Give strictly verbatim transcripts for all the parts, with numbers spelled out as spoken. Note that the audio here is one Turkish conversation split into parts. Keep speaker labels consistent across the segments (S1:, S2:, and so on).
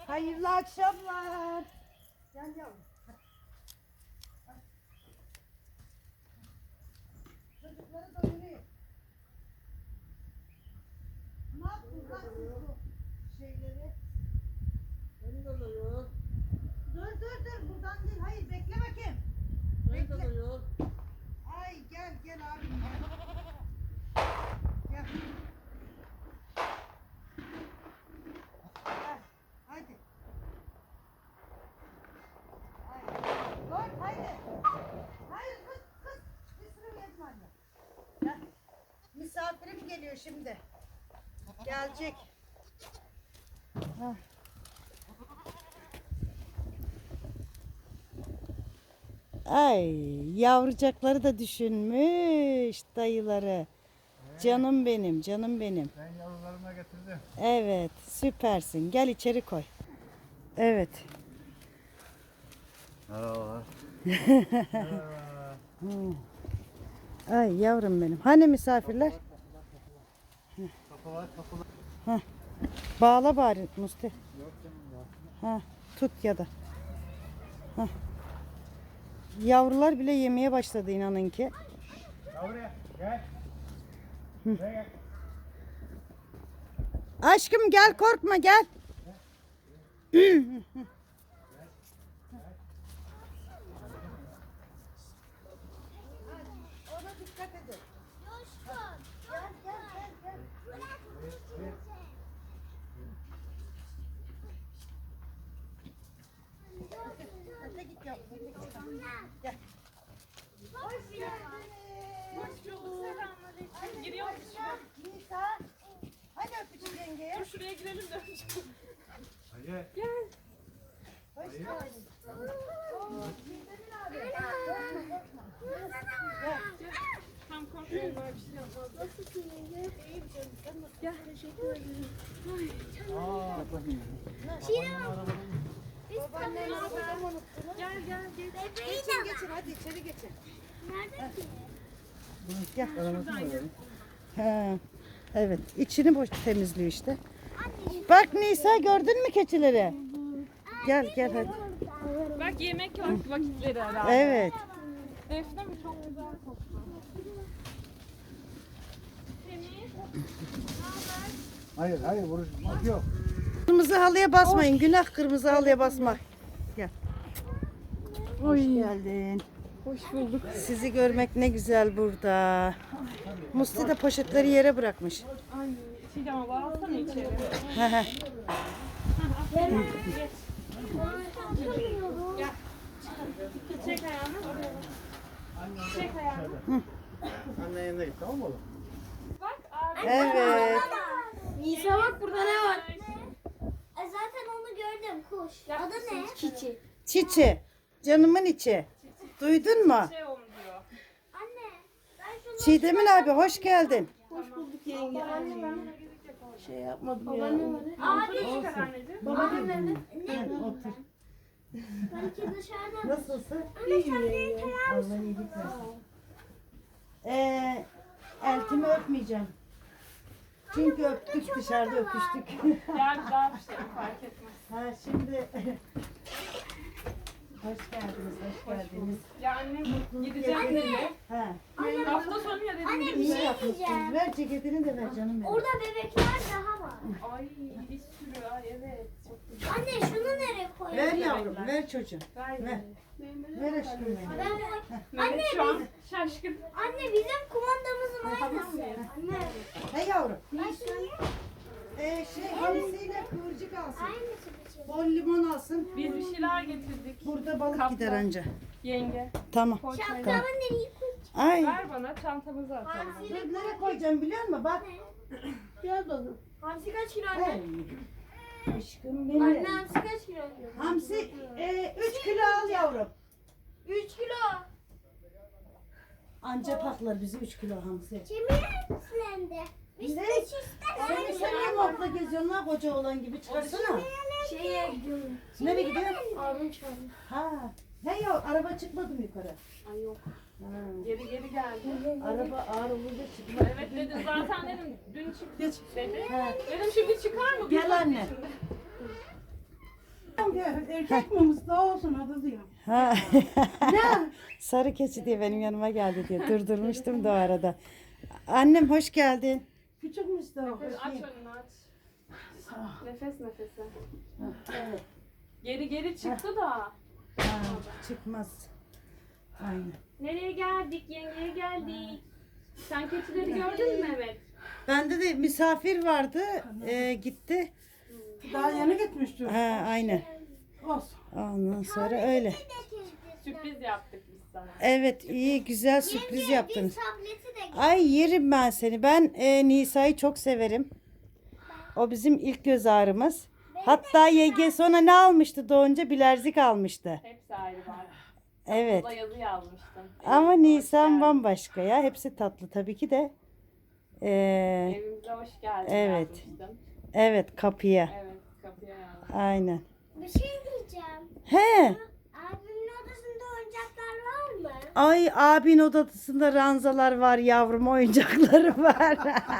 S1: Hayırlı akşamlar. Gel yavrum. Çocukları doyurayım. Ne yaptın lan siz bu şeyleri?
S2: Beni de doyur.
S1: Dur dur dur buradan değil. Hayır bekle bakayım.
S2: Beni de doyur.
S1: Ay gel gel abim gel. Gel. Gel. Hadi. Hayır. Dur haydi. Hayır kız kız. Bir sürü yedim anne. Gel. Misafirim geliyor şimdi. Gelecek. Heh. Ay yavrucakları da düşünmüş dayıları. Canım benim, canım benim.
S2: Ben yavrularıma getirdim.
S1: Evet, süpersin. Gel içeri koy. Evet.
S2: Merhabalar.
S1: Ay yavrum benim. Hani misafirler?
S2: Kapı var, kapı var.
S1: Bağla bari Musti.
S2: Yok canım ya.
S1: Ha, tut ya da. Hah. Yavrular bile yemeye başladı inanın ki.
S2: Yavruya gel. Buraya gel.
S1: Aşkım gel korkma gel. Ona dikkat edin. Gel gel gel gel. Öte git yavrum. öte git. Gel. Hoş geldiniz.
S3: Hoş bulduk. Selamünaleyküm. Giriyor musun?
S1: Nisa. Hadi öpücük yengeye.
S3: Dur şuraya girelim de.
S2: Hadi.
S3: Gel.
S1: Hoş geldin. Oo, Güldemin abi. Korkma korkma. Gel.
S3: Tam korkmayın böyle bir şey yapmaz. Nasılsın yenge? İyiyim canım. Sen nasılsın? Gel. Teşekkür ederim.
S2: Aa, bakayım.
S1: Babaannenin arabayı mı unuttunuz?
S3: Gel gel gel.
S1: Geçin geçin hadi içeri geçin.
S4: Nerede ki?
S1: Gel.
S3: Şuradan gel.
S1: Ha, evet içini boş temizliyor işte. Bak Nisa gördün mü keçileri? Gel gel hadi.
S3: Bak yemek vak- vakitleri herhalde.
S1: Evet.
S3: Defne mi? Çok güzel koktu. Temiz.
S2: Hayır, hayır, vuruşmak yok.
S1: Kırmızı halıya basmayın. Günah kırmızı halıya basmak. Gel. Hoş geldin.
S3: Hoş bulduk.
S1: Sizi görmek ne güzel burada. Musti de poşetleri yere bırakmış.
S3: Ay Çiğdem abla alsana içeri.
S1: He he.
S3: Geç. Gel. Çek ayağını. Oraya bak. Çek ayağını.
S2: Anne yanına git, tamam mı oğlum?
S3: Bak abi.
S1: Evet.
S4: Nisa bak burada ne var? E, zaten onu gördüm kuş. Adı ne? Çiçi.
S1: Çiçi. Canımın içi. Duydun mu?
S3: Şey olmuş diyor.
S4: Anne ben şunu
S1: Çiğdemin abi hoş geldin.
S3: Şey yapmadım
S4: abi
S3: Çıkar anneciğim.
S4: abi ne?
S1: Otur.
S4: Belki dışarıda.
S1: Nasılsın?
S4: Anne sen beni tanır mısın?
S1: Allah iyilik versin. Ee, eltimi öpmeyeceğim. Çünkü öptük dışarıda öpüştük.
S3: Gel bir daha bir şey fark etmez.
S1: Ha şimdi hoş geldiniz, hoş geldiniz.
S3: Ya anne gideceğim dedi.
S1: Ha,
S3: Hafta sonu ya dedim.
S4: Anne bir
S1: iyi
S4: şey
S1: yapmışsınız.
S4: diyeceğim.
S1: Ver ceketini de ver canım benim.
S4: Orada bebekler daha var.
S3: Ay bir sürü ay evet çok güzel.
S4: Anne şunu nereye koyayım?
S1: Ver yavrum, ver çocuğum.
S3: Ver.
S1: Ver. Ver aşkım benim.
S4: Ben-
S3: Melek şu an şaşkın.
S4: Anne bizim kumandamızın
S3: Tamam
S4: aynısı.
S3: mıyız?
S4: Anne.
S1: Hey yavrum.
S4: Ben şunu
S1: Ee, şey hamsiyle kıvırcık alsın.
S4: aynısı biçim.
S1: Bol limon alsın.
S3: Biz bir şeyler getirdik.
S1: Burada balık
S3: Kaplan.
S1: gider anca.
S3: Yenge.
S1: Tamam.
S3: Poğaça.
S4: Şapkamı nereye koyayım?
S1: Ay.
S3: Ver bana çantamızı atalım.
S1: Dur, nereye koyacağım biliyor musun? Bak.
S4: Gel bakalım. Hamsi kaç kilo
S1: Ay.
S4: anne?
S1: Aşkım
S4: Anne
S1: benim.
S4: hamsi kaç kilo?
S1: Hamsi üç kilo al yavrum.
S4: üç kilo.
S1: Anca paklar bizi üç kilo hamsi.
S4: Kemiğe silendi. Biz
S1: Ne?
S4: de çister.
S1: Sen sen niye montla geziyorsun lan koca olan gibi çıkarsana.
S4: Şeye gidiyorum.
S1: Nereye gidiyorsun?
S4: Abim çağırdı.
S1: Ha. Hey ya araba çıkmadı mı yukarı?
S3: Ay yok.
S1: Ha.
S3: Geri geri geldi.
S1: Araba ağır olunca çıkmadı.
S3: Evet dedim zaten dedim dün çıktı
S1: Geç.
S3: dedi.
S1: Ha.
S3: Dedim şimdi çıkar mı?
S1: Gel anne.
S3: de erkek mi Mustafa olsun adı diyor.
S1: Ha.
S3: Ne?
S1: Sarı keçi diye benim yanıma geldi diye durdurmuştum da o arada. Annem hoş geldin.
S3: Küçük Mustafa.
S5: Aç önünü aç. Nefes nefese. Geri geri çıktı da.
S1: Ha, çıkmaz. Aynen.
S5: Nereye geldik? Yengeye geldik. Sen keçileri gördün mü Mehmet?
S1: Bende de misafir vardı. Ee, gitti.
S3: Daha yeni gitmişti.
S1: Ha, aynen.
S3: Olsun.
S1: Ondan sonra öyle.
S5: Sürpriz yaptık biz sana.
S1: Evet iyi güzel sürpriz yaptınız.
S4: Tableti de
S1: Ay yerim ben seni. Ben e, Nisa'yı çok severim. O bizim ilk göz ağrımız. Hatta yenge sonra ne almıştı doğunca? Bilezik almıştı.
S5: Hepsi ayrı var.
S1: Evet.
S5: Burada yazı yazmıştım.
S1: Ama Nisan bambaşka ya. Hepsi tatlı tabii ki de. Ee,
S5: Evimize hoş geldin
S1: Evet.
S5: yazmıştım.
S1: evet kapıya.
S5: Evet kapıya yazdım.
S1: Aynen.
S4: bir şey diyeceğim.
S1: He.
S4: Abimin odasında oyuncaklar var mı?
S1: Ay abin odasında ranzalar var yavrum, oyuncakları var.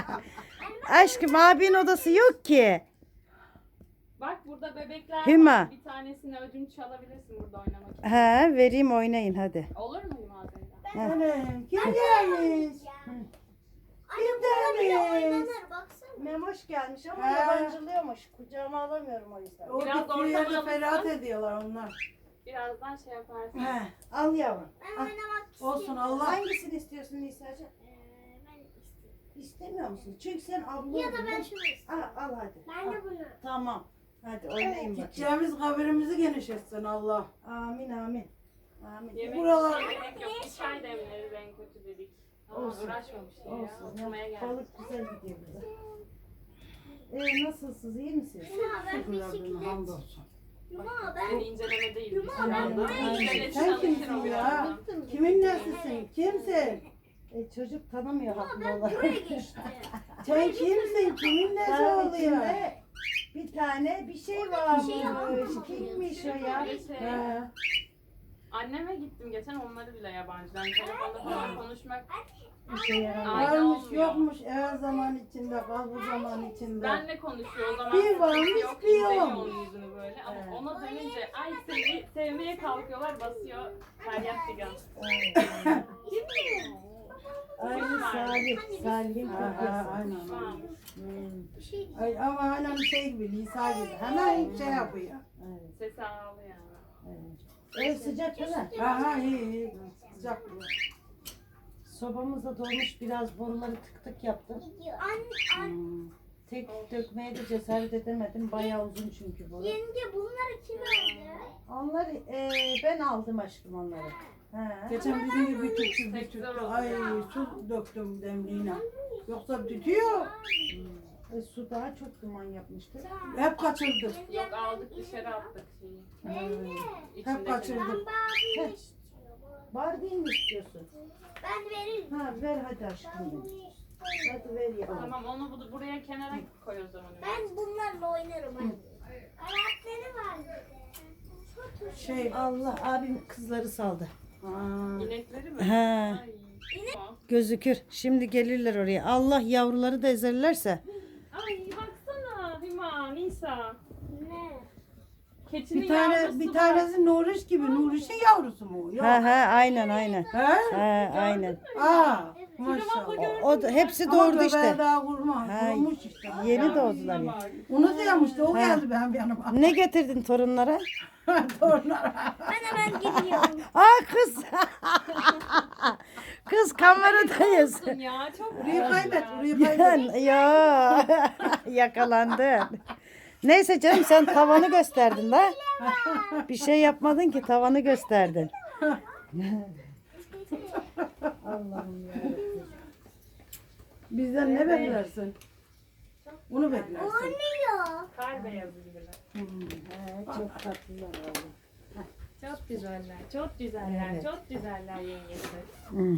S1: Aşkım abin odası yok ki.
S5: Bak burada bebekler
S1: Hüma.
S5: var. Bir tanesini ödünç alabilirsin burada oynamak için.
S1: He vereyim oynayın hadi.
S5: Olur mu Hüma teyze?
S3: Annem kim gelmiş?
S4: Anne burada bile
S3: gelmiş?
S4: oynanır baksana.
S1: Memoş gelmiş ama
S3: Ha.
S1: yabancılıyormuş. Kucağıma alamıyorum o yüzden.
S3: O
S5: Biraz
S3: gittiği
S5: ortam
S3: yerde
S5: alınsın.
S3: ferahat ediyorlar onlar.
S5: Birazdan şey yaparsın.
S3: He.
S1: Al yavrum.
S4: Ben
S1: Al.
S4: oynamak istiyorum.
S3: Olsun Allah.
S1: Hangisini istiyorsun Nisa'cığım?
S4: Ee, ben istiyorum.
S1: İstemiyor musun? Çünkü sen abla
S4: Ya da
S1: oldun,
S4: ben
S1: değil mi?
S4: şunu istiyorum.
S1: Al, al hadi.
S4: Ben
S1: Al.
S4: de bunu.
S1: Tamam. Hadi oynayın bakayım.
S3: Gideceğimiz kabirimizi genişletsin Allah.
S1: Amin amin. Amin.
S5: Yemek
S3: Buralar-
S5: içmeye gerek yok. Bir çay demleriz en kötü dedik. Ama
S1: Olsun.
S5: uğraşmamış ya.
S1: Olsun.
S5: Oturmaya
S1: Ya,
S5: geldik.
S1: balık güzel gidiyor bize. Ee, nasılsınız? İyi misiniz?
S4: Yuma ben
S3: Şükürler Rabbime
S4: bisiklet.
S3: hamdolsun.
S4: Yuma
S5: Seni
S4: ben.
S5: inceleme değil.
S4: Yuma
S5: Biz
S4: ben
S5: şu
S4: buraya
S5: anda
S4: geçtim.
S5: inceleme
S3: Sen
S5: çalışır
S3: kimsin
S5: o
S3: ya?
S5: birazdan.
S3: Kimin nesisin? Kimsin?
S1: E, çocuk tanımıyor haklı
S4: Ben
S1: olarak.
S4: buraya geçtim.
S3: Sen kimsin? Kimin nesi
S1: Daha
S3: oluyor?
S1: içinde bir tane bir şey varmış.
S4: şey var.
S1: Kimmiş o ya?
S5: Böyle şey,
S3: He.
S5: anneme gittim geçen onları bile yabancı. Yani telefonda falan konuşmak
S1: Bir şey yaramıyor.
S5: Aynen
S3: Varmış
S5: olmuyor.
S3: yokmuş her zaman içinde kal bu zaman içinde.
S5: benle konuşuyor o zaman.
S3: Bir varmış,
S5: yok,
S3: bir
S5: izlemiyor
S3: yokmuş.
S5: onun yüzünü böyle. Ama
S1: Evet.
S5: ona dönünce ay sevi, sevmeye kalkıyorlar basıyor. Feryat figan.
S1: Aynı Salih. Salih'in
S3: Ha, ha,
S1: kopyası.
S3: aynen.
S5: Tamam.
S1: Hmm,
S3: Ay, ama aynen şey gibi Lisa gibi hemen şey yapıyor.
S1: evet,
S5: Sesi ağlıyor yani.
S1: evet. Ev sıcak değil mi?
S3: Ha ha iyi iyi. Sıcak bu.
S1: Sobamız da dolmuş, biraz boruları tık tık yaptım.
S4: Anne, anne,
S1: Hmm, Tek dökmeye de cesaret edemedim. Bayağı uzun çünkü boru.
S4: yenge bunları kim aldı?
S1: Onları e, ben aldım aşkım onları. He.
S3: Geçen bizim gibi bir tütsüz bir tütsüz. Ay su döktüm demliğine. Yoksa tütüyor.
S1: E, su daha çok duman yapmıştı.
S3: Hep kaçırdık.
S5: Yok aldık dışarı attık şeyi.
S1: Hmm.
S3: Hep
S5: İçindekini.
S3: kaçırdık.
S4: Ben babamı istiyorum.
S1: Var değil mi istiyorsun?
S4: Ben veririm.
S1: Ha ver hadi aşkım.
S4: Ben
S1: benim.
S4: bunu istiyorum.
S1: Hadi ver ya.
S5: Tamam onu bu- buraya kenara koy o zaman.
S4: Ben bunlarla oynarım anne. Ayakları var bir de. Çok hoş.
S3: Şey.
S1: Allah abim kızları saldı.
S3: Ha.
S5: İnekleri mi?
S1: He.
S5: Ay.
S1: Gözükür. Şimdi gelirler oraya. Allah yavruları da ezerlerse.
S5: Ay baksana Hüma, Nisa.
S4: Ne?
S5: Keçinin
S3: Bir tane
S5: yavrusu
S3: bir
S5: var.
S3: tanesi Nuriş gibi. Nuriş'in yavrusu mu? Yok.
S1: He he aynen aynen.
S3: He?
S1: He aynen.
S3: Aa.
S5: abla
S3: Maşallah.
S5: gördün
S1: O da hepsi
S3: Ama
S1: doğurdu
S3: göbeği
S1: işte.
S3: daha kurma.
S1: Ha,
S3: Kurumuş işte.
S1: Yeni doğdular ya.
S3: Onu diyormuştu. O
S1: Ha.
S3: geldi benim yanıma.
S1: Ne getirdin torunlara?
S3: Torunlara.
S4: Ben hemen gidiyorum.
S1: Aa kız. Kız kameradayız.
S5: Olsun ya çok
S3: Burayı kaybet. Burayı
S1: Ya,
S3: kaybet.
S1: ya yakalandın. Neyse canım sen tavanı gösterdin la. Bir şey yapmadın ki tavanı gösterdin. Allah'ım ya.
S3: Bizden ne beklersin? Onu beklersin.
S4: Oynuyor.
S5: kar beyazı gibiler.
S1: He, çok tatlılar oğlum.
S5: Çok güzeller, çok güzeller,
S1: Evet.
S5: çok güzeller yengesi.
S1: Hmm.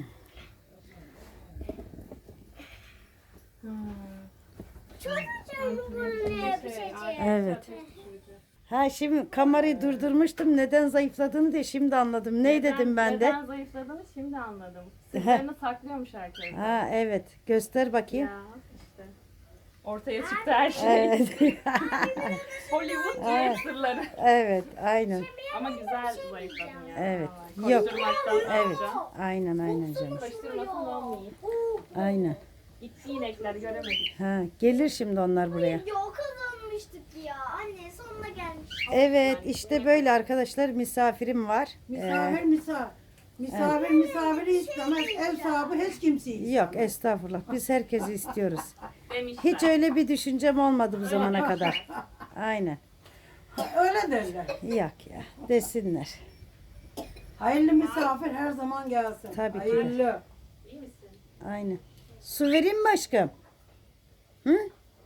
S4: Çocuğum bunu yapacak.
S1: Evet. Ha şimdi kamerayı durdurmuştum. Neden zayıfladığını diye şimdi anladım. Ne dedim ben de?
S5: Neden zayıfladığını şimdi anladım. Sırlarını saklıyormuş herkes.
S1: Ha evet. Göster bakayım.
S5: Ya işte. Ortaya çıktı her şey.
S1: Evet.
S5: Hollywood
S1: Evet.
S5: düğün sırları.
S1: Evet, aynen.
S5: Ama güzel zayıfladın yani.
S1: Evet.
S5: Vallahi.
S1: Yok.
S5: Koşturmaktan
S1: Evet.
S5: sonra.
S1: Aynen aynen canım.
S5: Koşturmasın olmuyor.
S1: Aynen.
S5: Gitti inekler göremedik.
S1: Ha, gelir şimdi onlar buraya.
S4: Ya o kazanmıştık ya. Anne sonuna gelmiş.
S1: Evet, işte böyle arkadaşlar misafirim var.
S6: Misafir misafir. Misafir misafiri istemez. Ev sahibi hiç kimseyi istemez.
S1: Yok estağfurullah. Biz herkesi istiyoruz.
S5: Demişler.
S1: Hiç öyle bir düşüncem olmadı bu zamana kadar. Aynen.
S6: Öyle derler.
S1: Yok ya. Desinler.
S6: Hayırlı misafir her zaman gelsin.
S1: Tabii ki de.
S6: Hayırlı.
S5: İyi misin?
S1: Aynen. Su vereyim mi aşkım? Hı?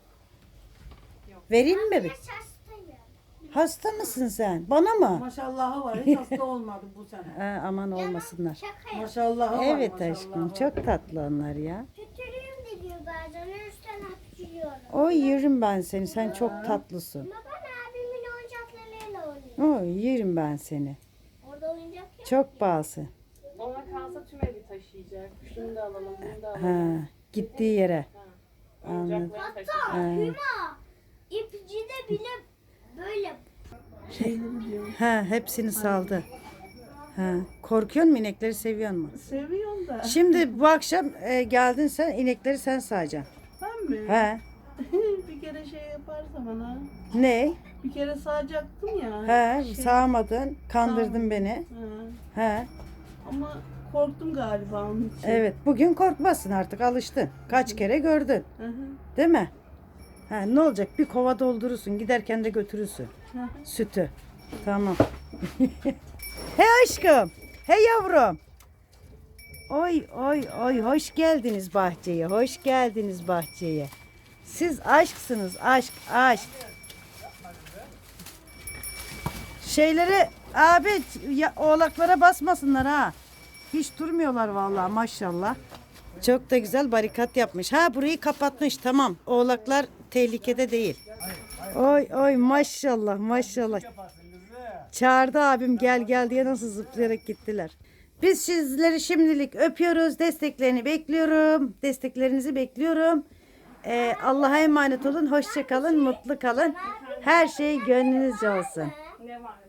S1: Vereyim mi? Bir?
S4: Şaştayım.
S1: Hasta mısın sen? Bana mı?
S6: Maşallahı var. Hiç hasta olmadı bu sene.
S1: Ha, aman olmasınlar.
S4: Şaka yap.
S6: Maşallahı var.
S1: Evet
S6: maşallahı
S1: aşkım.
S6: var.
S1: Çok tatlı onlar ya.
S4: Kötülüğüm de diyor bazen. Üstten hapşırıyorum.
S1: Oy yerim ben seni. Sen çok tatlısın.
S4: Ama ben abimin oyuncaklarıyla oynuyorum.
S1: Oy yerim ben seni.
S4: Orada oyuncak yok.
S1: Çok bağısı.
S5: Ona kalsa tüm evi taşıyacak. Şunu da alalım, bunu da
S1: Ha,
S5: alalım.
S1: gittiği yere. Anladım.
S5: Oyuncakları taşıyacak.
S4: Hatta Hüma ipcide bile böyle
S1: Ha, hepsini saldı. Ha, korkuyor musun inekleri seviyor musun?
S6: Seviyorum da.
S1: Şimdi bu akşam e, geldin sen inekleri sen sağacaksın.
S6: Ben mi?
S1: He.
S6: Bir kere şey yaparsa bana.
S1: Ne?
S6: Bir kere sağacaktım ya.
S1: He,
S6: Şey-
S1: sağmadın, kandırdın
S6: Sağmadım.
S1: beni.
S6: Ha.
S1: He.
S6: Ama korktum galiba onun için.
S1: Evet, bugün korkmazsın artık alıştın. Kaç kere gördün,
S6: Hı hı.
S1: değil mi? Ha, ne olacak? Bir kova doldurursun, giderken de götürürsün.
S6: Hı hı.
S1: Sütü. Tamam. Hey aşkım. Hey yavrum. Oy oy oy hoş geldiniz bahçeye. Hoş geldiniz bahçeye. Siz aşksınız. Aşk aşk. Şeyleri abi ya, oğlaklara basmasınlar ha. Hiç durmuyorlar vallahi maşallah. Çok da güzel barikat yapmış. Ha burayı kapatmış tamam. Oğlaklar tehlikede değil. Oy oy maşallah maşallah. Çağırdı abim gel gel diye nasıl zıplayarak gittiler. Biz sizleri şimdilik öpüyoruz. Desteklerini bekliyorum. Desteklerinizi bekliyorum. Ee, Allah'a emanet olun. Hoşça kalın. Mutlu kalın. Her şey gönlünüzce olsun.
S5: Ne var?